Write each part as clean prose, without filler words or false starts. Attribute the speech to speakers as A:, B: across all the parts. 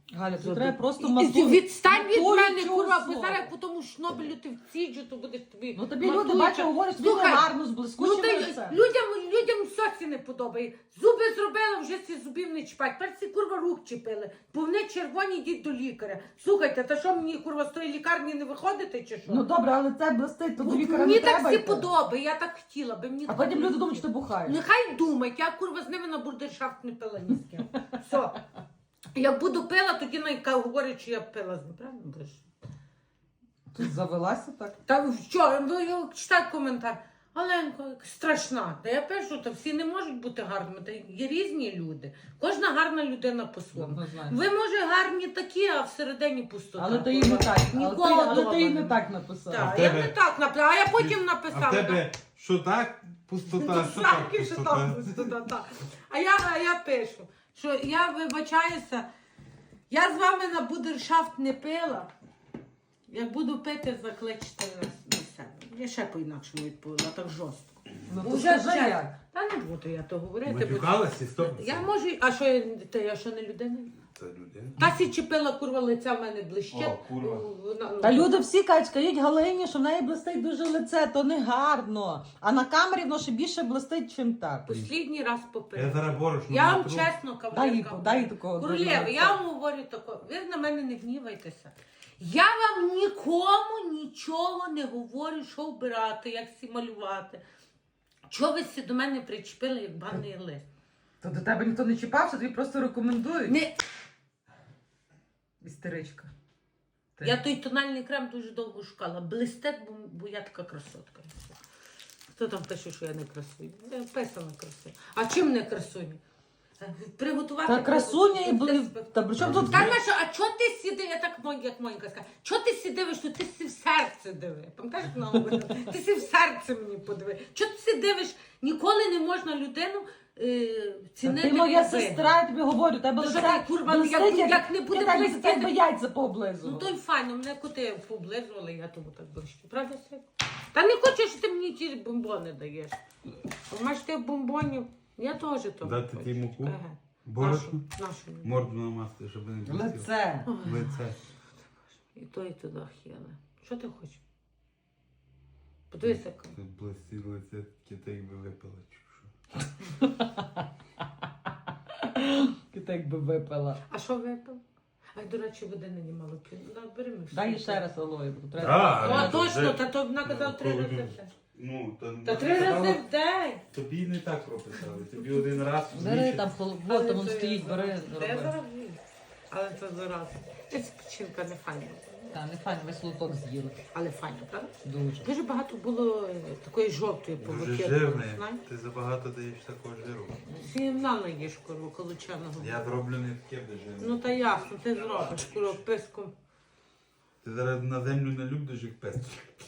A: Галя, тут треба просто
B: Відстань від
A: матуй
B: мене,
A: цього
B: курва, бо
A: слова.
B: зараз по тому шнобелю ти вціджу, то будеш тобі.
A: Ну тобі
B: матуюча.
A: люди, бачу, говорять, тобі
B: Слухай,
A: гарно, з
B: Ну,
A: блискучим
B: та й
A: лицем.
B: людям все ці не подобає. Зуби зробила, вже ці зубів не чіпать. Перці, курва, рук чіпили. Бо вони червоні, йдіть до лікаря. Слухайте, та що мені, курва, з тої лікарні не виходити, чи що?
A: Ну добре, але це блистить, то до лікаря
B: Мені
A: не
B: так
A: треба
B: всі
A: йти.
B: подобає, я так хотіла би. Мені
A: А
B: так
A: потім
B: не
A: люди думають, що ти
B: хотіла.
A: бухаєш.
B: Нехай думають, я, курва, з ними на бурдершафт не пила ні з ким. Все. Як буду пила, тоді говорять, що я пила з ним, правильно будеш?
A: Ти завелася так?
B: Та що, читай коментар. Оленко, страшна. Та я пишу, то всі не можуть бути гарними. Та є різні люди. Кожна гарна людина по-своєму.
A: Однозначно.
B: Ви, може, гарні такі, а всередині пустота.
A: Але ти їй не так.
B: Нікого
A: Але ти їй
B: вдома
A: не так написав.
B: Так,
C: А в
B: я
C: тебе-
B: не так написала, а я потім написала.
C: А в тебе що так? Пустота, що так
B: Так, що там
C: пустота?
B: пустота, так. А я пишу, що я вибачаюся, я з вами на будершафт не пила. Як буду пити, закличте на себе. Я ще по-інакшому відповіла, так жорстко.
A: Ну то
B: Уже
A: скажи
B: вже.
A: як.
B: Та не буду я то говорити. бо-
C: Матюкалась і стоп.
B: Я можу, я що не людина?
C: Це людина.
B: Та сі чіпила, курва, лиця в мене блищить.
C: О, курва.
A: Та люди всі кажуть, скажіть Галині, що в неї блистить дуже лице, то не гарно. А на камері воно ще більше блистить, чим так.
B: Послідній раз
C: Я
B: попила.
C: зараз борошно
B: Я вам
C: натру.
B: чесно,
A: Дай їй
B: кавалерка.
A: дай їй такого.
B: Королева, я вам говорю тако, ви на мене не гнівайтеся. Я вам нікому нічого не говорю, що вбирати, як всі малювати. Чого ви всі до мене причепили, як банний лист?
A: То до тебе ніхто не чіпався, тобі просто рекомендують.
B: Не,
A: Істеричка. Ти.
B: я той тональний крем дуже довго шукала. Блистет, бо я така красотка. Хто там пише, що я не красуня? Я писана красуня. А чим не красуня? Приготувати...
A: Та красуня і були. Та при чому тут?
B: Та Наша, а чого ти сіди, я так як Монька сказала, чого ти сі дивиш, що ти сі в серце диви? Пам'ятаєш, вона говорила? Ти сі в серце мені подиви. Чого ти сі дивиш? Ніколи не можна людину цінити.
A: Ти моя
B: по виду.
A: сестра, я тобі говорю, тебе
B: Ну,
A: лице
B: що ти, курва,
A: блистить,
B: як не буде
A: так,
B: блистіти?
A: тебе яйця
B: Ну
A: пооблизували.
B: то й файно, мене коти поблизували, я тому так блищу. Правда, Свят? Та не хочеш, що ти мені ті бомбони даєш. Маєш ти бомбонів, я теж то.
C: Дати ти муку?
B: Ага.
C: Борошно?
B: Нашу.
C: Морду намасти, щоб не блистіло.
A: Лице.
C: Лице.
B: І то, і туди хіли. Що ти хочеш? Подивися, яка.
C: Це блистіло лице, таке так би випила, чи що.
A: Ти так би випила.
B: А що випив? А до речі, води не мало п'ю. Да, бери ми.
A: Дай їй ще раз алою, бо треба.
C: Да.
B: О, точно,
C: вже-
B: та то вона казала 3 рази в день.
C: Ну,
B: Та 3 рази в день.
C: Тобі не так прописали. Тобі один раз в
A: Бери
C: місяць.
A: там холодно, там стоїть, бери,
B: Я
A: роби.
B: зараз вмію. Але це зараз. Ця печінка не файна.
A: Та, не файно, весь луток з'їли.
B: Але файно, правда?
A: Дуже.
B: Дуже багато було такої жовтої
C: Дуже
B: повики.
C: жирний. Ти забагато даєш такого жиру.
B: Сімна їж, курва, колочаного.
C: Я зроблю не таке де жирне.
B: Ну та ясно, ти зробиш, курва, писком.
C: Ти зараз на землю не любиш їх пести.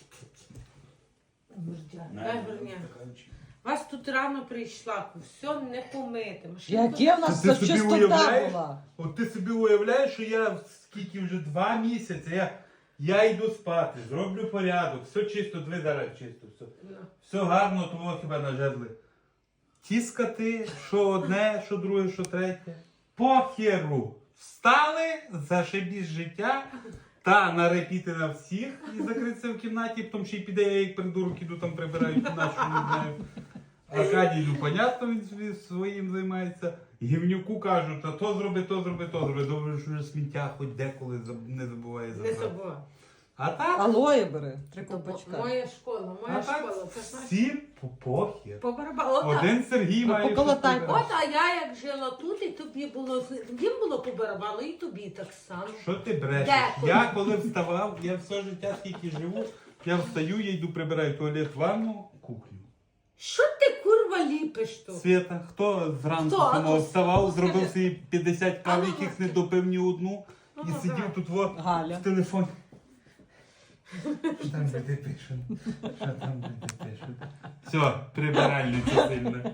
B: Дай горня. Вас тут рано прийшла, все не помити. Машинку-
A: Яке в нас
C: Ти собі
A: чистота
C: уявляєш?
A: була?
C: От ти собі уявляєш, що я скільки вже 2 місяці, я йду спати, зроблю порядок, все чисто, дві зараз чисто, все. Все гарно, того хіба нажерли. Ті скати, що одне, що друге, що третє. Похеру. Встали, зашибісь життя, та нарепіти на всіх і закритися в кімнаті, потім ще й піде, я як придурок іду там прибираю кімнату, що не знаю. Аркадій, ну, понятно, він собі своїм займається. Гівнюку кажуть, а то зроби, то зроби, то зроби. Добре, що вже сміття хоч деколи не забуває
B: Не
C: забрати.
B: забувай.
C: А так,
A: Алоє бери, 3 ковпачка.
B: Моя школа,
C: а
B: моя
C: так
B: школа. Це знаєш.
C: всім похер.
B: По барабану. Ота.
C: Один Сергій
A: Ну,
C: має
A: поколотай.
C: щось
B: От,
C: вибирати.
B: а я як жила тут, і тобі було, їм було по барабану, і тобі так само.
C: Що ти брешеш?
B: Дякую.
C: Я коли вставав, я все життя, скільки живу, я встаю, я йду прибираю туалет, ванну, кухню.
B: Що ти, курва, ліпиш тут?
C: Свята, хто зранку
B: Хто?
C: самого вставав,
B: Ну,
C: зробив
B: скажи.
C: собі 50
B: А
C: кав,
B: ну,
C: яких
B: скажи.
C: не допив ні одну,
B: Ну,
C: і
B: ну,
C: сидів
B: давай.
C: тут во
A: Галя.
C: в телефоні. Що там люди пишуть? Що там люди пишуть? Все, прибиральниця сильна.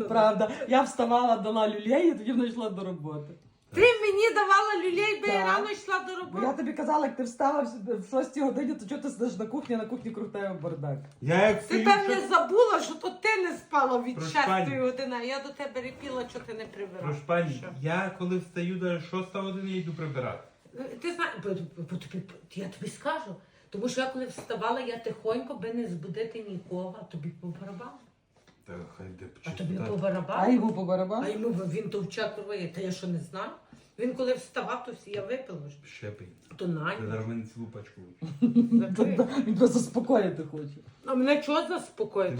A: Правда. Я вставала, дала люлей і тоді вона йшла до роботи.
B: Ти мені давала люлей, бо я
A: Так.
B: рано йшла до
A: Бо
B: роботи.
A: я тобі казала, як ти встала в 6 годині, то чого ти сидиш на кухні круг тебе бардак.
C: Я як
B: Ти
C: стою,
B: певне
C: що-
B: забула, що то ти не спала від
C: Прошу
B: 6
C: пані.
B: години, а я до тебе репіла, що ти не прибирала.
C: Прошу пані,
B: Що?
C: я коли встаю до 6 години, я йду прибирати.
B: Ти знаєш, я тобі скажу, тому що я коли вставала, я тихонько, би не збудити нікого, а тобі по барабану.
C: Та хай де
B: А тобі
C: почитати.
B: по
A: А
B: барабану?
A: йому по
B: А
A: барабану?
B: йому він товчак рває, та я що не знаю? Він коли вставав, то всі я випила вже.
C: Щепень.
B: То на
C: Ти зараз мене цілу пачку.
B: закрив.
A: Він просто заспокоїти хоче.
B: А мене чого заспокоїти?